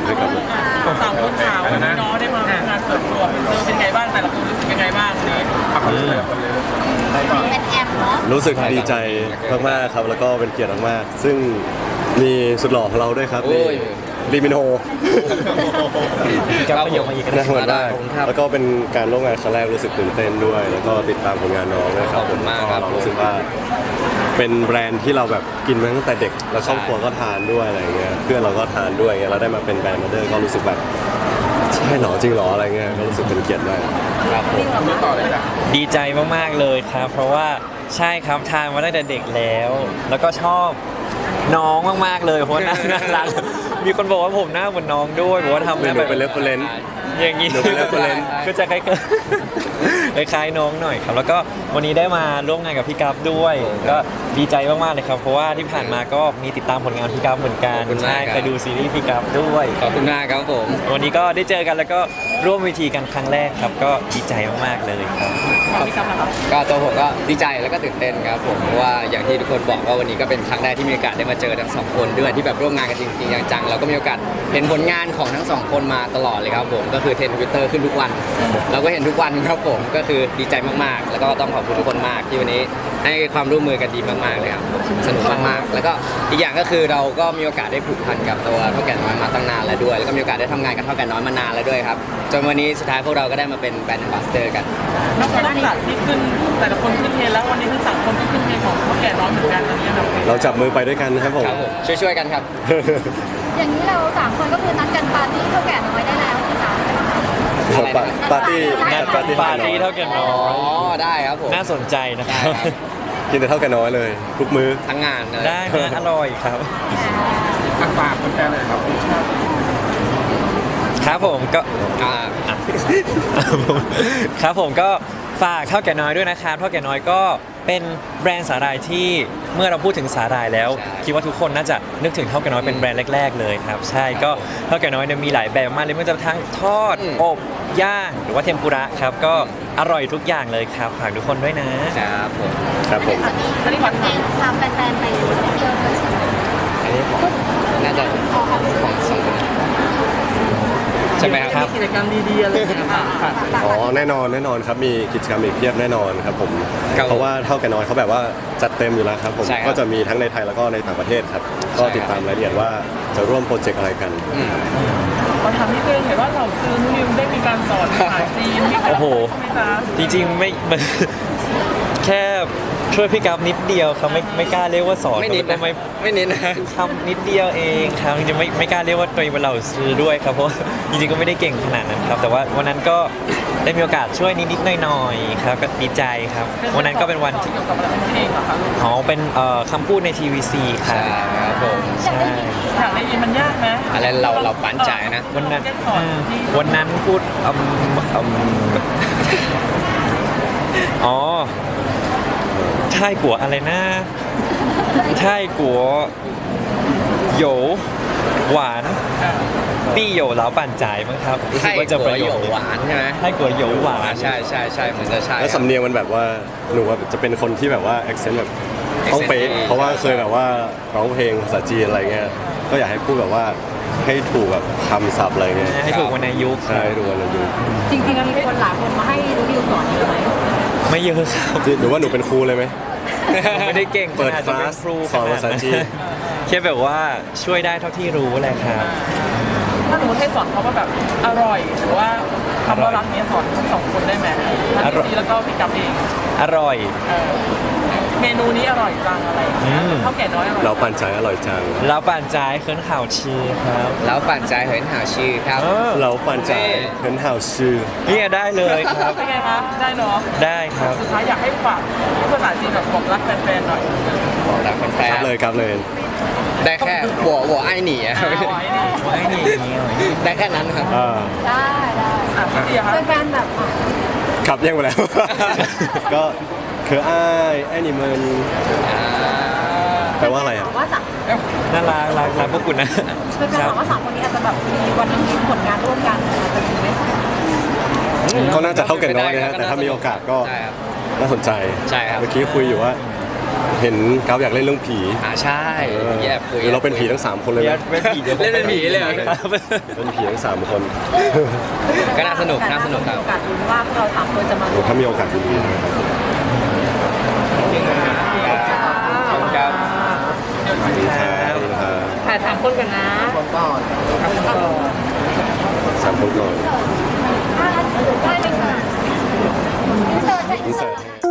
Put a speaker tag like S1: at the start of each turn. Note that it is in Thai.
S1: ให้กับผม
S2: สาวคนขาววันนี้น้องได้มางานเปิดตัวเป็นไงบ้างแต่ละคนรู้สึกยังไงบ้างวันนี้
S3: เป็นแอมเนาะ
S1: รู้สึกดีใจมากๆครับแล้วก็เป็นเกียรติมากๆซึ่งมีสุดหล่อของเราด้วยครับนี่ลีมินโฮ
S4: จะประโยคมาอีก
S1: น่าเหมือนมากแล้วก็เป็นการร่วมงานครั้งแรกรู้สึกตื่นเต้นด้วย แล้วก็ติดตามผลงานน้องนะครับผมเรารู้สึกว่าเป็นแบรนด์ที่เราแบบกินมาตั้งแต่เด็กแล้วครอบครัวก็ทานด้วยอะไรเงี้ยเพื่อนเราก็ทานด้วยเงี้ยเราได้มาเป็นแบรนด์มาเดอร์ก็รู้สึกแบบใช่หรอจริงหรออะไรเงี้ยก็รู้สึกเป็นเกียรติมาก
S4: ครับผมดีใจมากๆเลยครับเพราะว่าใช่ครับทานมาตั้งแต่เด็กแล้วก็ชอบน้องมากๆเลยเพราะว่าน่ารักมีคนบอกว่าผมหน้าเหมือนน้องด้วยบอกว่าทำหน้าแบบ
S1: เป็นเรฟเฟอเรนซ์
S4: อย่างนี้ก็จะคล้ายๆน้องหน่อยครับแล้วก็วันนี้ได้มาร่วมงานกับพี่กัฟด้วยก็ดีใจมากๆเลยครับเพราะว่าที่ผ่านมาก็มีติดตามผลงานพี่กัฟเหมือนกันใช่เคยดูซีรีส์พี่กัฟด้วย
S5: ขอบคุณมากครับผม
S4: วันนี้ก็ได้เจอกันแล้วก็ร่วมเวทีกันครั้งแรกครับก็ดีใจมากๆเลยครับ
S5: ก็ตัวผมก็ดีใจแล้วก็ตื่นเต้นครับผมเพราะว่าอย่างที่ทุกคนบอกว่าวันนี้ก็เป็นครั้งแรกที่มีโอกาสได้มาเจอทั้งสองคนด้วยที่แบบร่วมงานกันจริงๆจังๆเราก็มีโอกาสเห็นผลงานของทั้งสองคนมาตลอดเลยครับผมก็คือเทรนด์ Twitter ขึ้นทุกวันเราก็เห็นทุกวันครับผมก็คือดีใจมากๆแล้วก็ต้องขอบคุณทุกคนมากที่วันนี้ให้ความร่วมมือกันดีมากๆเลยครับสนุกมากๆแล้วก็อีกอย่างก็คือเราก็มีโอกาสได้ผูกพันกับตัวเท่าแก่น้อยมาตั้งนานแล้วด้วยแล้วก็มีโอกาสได้ทำงานกับเท่าแก่น้อยมานานแล้วด้วยครับจนวันนี้สุดท้ายพวกเราก็ได้มาเป็นแบรนด์แอมบาสเดอร์กัน
S2: นอกจากที่ขึ้นแต่ละคนขึ้นเทรนแล้ววันนี้ทั้ง3คนก็ขึ้นเทรนของเท่าแก่น้อยเหมือนกันอันนี้
S1: เราจับมือไปด้วยกันนะครับผม
S5: ช่วยกันครับ
S3: อย่างนี้เรา3คนก็คือนัดกันปาร์ตี้เท่าแก่น้อยได้แล้วใช่ไหม
S1: ปาร์ตี้
S4: เท่าแก่น้อย
S5: ได้ครับผม
S4: น่าสนใจนะครับ
S1: กินแต่เท่าแก่น้อยเลยทุกมื้อ
S5: ทั้งงานเลย
S4: ได้นะอร่อยครับ
S2: ฝากคนแก่เลยครับ
S4: ครับผมก็ครับผมก็ฝากเท่าแก่น้อยด้วยนะครับเท่าแก่น้อยก็เป็นแบรนด์สาหร่ายที่เมื่อเราพูดถึงสาหร่ายแล้วคิดว่าทุกคนน่าจะนึกถึงเท่าแก่น้อยเป็นแบรนด์แรกๆเลยครับใช่ก็เท่าแก่น้อยเนี่ยมีหลายแบบมากเลยไม่ว่าจะทั้งทอดอบย่างหรือว่าเทมปุระครับก็อร่อยทุกอย่างเลยครับฝากทุกคนด้วยนะครับ
S5: ผม
S1: ครับผม
S3: อันนี้ของเองพาแฟนๆไปเที่ยวด้วย
S5: อันนี้น่าจะของสองคนใช่ไหมครับ
S2: กิจกรรมดีๆอะไรอย่างเงี้ยค่ะ
S1: อ๋อแน่นอนครับมีกิจกรรมอีกเพียบแน่นอนครับผมเพราะว่าเท่าแก่น้อยเขาแบบว่าจัดเต็มอยู่แล้วครับผมก็จะมีทั้งในไทยแล้วก็ในต่างประเทศครับก็ติดตามรายละเอียดว่าจะร่วมโปรเจกต์อะไรกัน
S2: มาทำที่เพื่อนเห็นว่าเราซื้อนิวได้มีการสอนภาษาจีน
S4: โอ้โหจริงๆไม่แค่ช่วยพี่กัฟนิดเดียวเขาไม่กล้าเรียกว่าสอน
S5: ไม่นิดนะ
S4: ทำนิดเดียวเองครับจริงๆไม่กล้าเรียกว่าตัวเองเป็นเหล่าซื้อด้วยครับเพราะจริงๆก็ไม่ได้เก่งขนาดนั้นครับแต่ว่าวันนั้นก็ได้มีโอกาสช่วยนิดๆหน่อยๆครับก็ดีใจครับวันนั้นก็เป็นวันที่อ๋อเป็นคำพูดใน TVC ครับ
S5: ผม
S4: ใช่
S2: อยากได้ยินมันยากไหม
S5: อะไรเราปั้นใจนะ
S4: วันนั้นพูดอ๋อไท่กัวอะไรนะไท่กัวโหยวหวานปี้โหยวเหลาปั่นจ่ายมั้งครับ
S5: ไท่กัวโหยวหวานใช่ไหม
S4: ไท่กัวโหยวหวาน
S5: ใช่เหมือนจะใช่
S1: แล้วสำเนียงมันแบบว่าหนูจะเป็นคนที่แบบว่า accent แบบต้องเป๊ะเพราะว่าเคยแบบว่าร้องเพลงภาษาจีนอะไรเงี้ยก็อยากให้พูดแบบว่าให้ถูกแบบคำศัพท์อะไรเงี้ย
S4: ให้ถูกวันในยุค
S1: ใช่ถูกวันในยุค
S3: จริงๆมีคนหลายคนมาให้ดิวสอนอยู่ไหม
S4: ไม่เยอะครับ
S1: หรือว่าหนูเป็นครูเลยไหม
S4: ไม่ได้เก่ง
S1: เปิดคลาสสอนภาษาจีน
S4: แค่แบบว่าช่วยได้เท่าที่รู้แหละครับ
S2: ถ้าหนูให้สอนเขาว่าแบบอร่อยหรือว่าคำว่ารักนี้สอนทั้ง2คนได้ไหมทั้งพี่แล้วก็พี่กัฟเอง
S4: อร่อย
S2: เมนูนี้อร่อยจังอะไรเท่าแก่น้อยอร่อย
S1: เราปั่นใจอร่อยจัง
S4: เราปั่นใจเคินข่าวชื่อครับ
S5: เราปั่นใจเหินหาชื่อครับ
S1: เราปั่นใจเหินข่าวชื่อ
S4: นี่ได้เลยครับ
S2: เป็นไงคะได้เนาะ
S4: ได้ครับ
S2: สุดท้ายอยากให้ฝากภาษาจีนแบบบอกรักแฟนๆหน่อย
S5: บอกรักแฟน
S1: ๆครับเลย
S5: ได้แค่หัวไอ้หนีอะ
S4: ไอ้หนี
S5: ได้แค่นั้นครับ
S3: ได้แฟนแบบ
S1: ขับแย่งไปแล้วก็คือไอ้นี่มันแปลว่าอะไรอ่ะ
S3: ว่าสั่ง
S4: น่ารักพวกคุณนะ
S3: คือการบอกว่า3คนนี้อาจจะแบบมีวันนึงมีผลงานร่วมกันจะมีไหม
S1: ก็น่าจะเท่ากันน้อยนะฮะแต่ถ้ามีโอกาสก็น่าสนใจ
S5: ใช่ครับ
S1: เมื่อกี้คุยอยู่ว่าเห็นกราฟอยากเล่นเรื่องผี
S5: ใช่แอบคุย
S1: หรือเราเป็นผีทั้ง3คนเลยไหม
S4: เป็นผีเดี๋ยวผม
S5: เล่นเป็นผีเลยเหรอ
S1: เป็นผีทั้ง3คน
S5: ก็น่าสนุกครับ
S2: มีโอกาสลุ้นว่าพวกเรา3คนจะมา
S1: โอ้ถ้ามีโอกาสดีๆ
S5: ขอบคุณครับ
S2: ถ่าย3คนกันนะ
S1: 3คนก่อน
S3: ได้เลยค่ะอินเสิร์ตค่ะอินเสิร์ต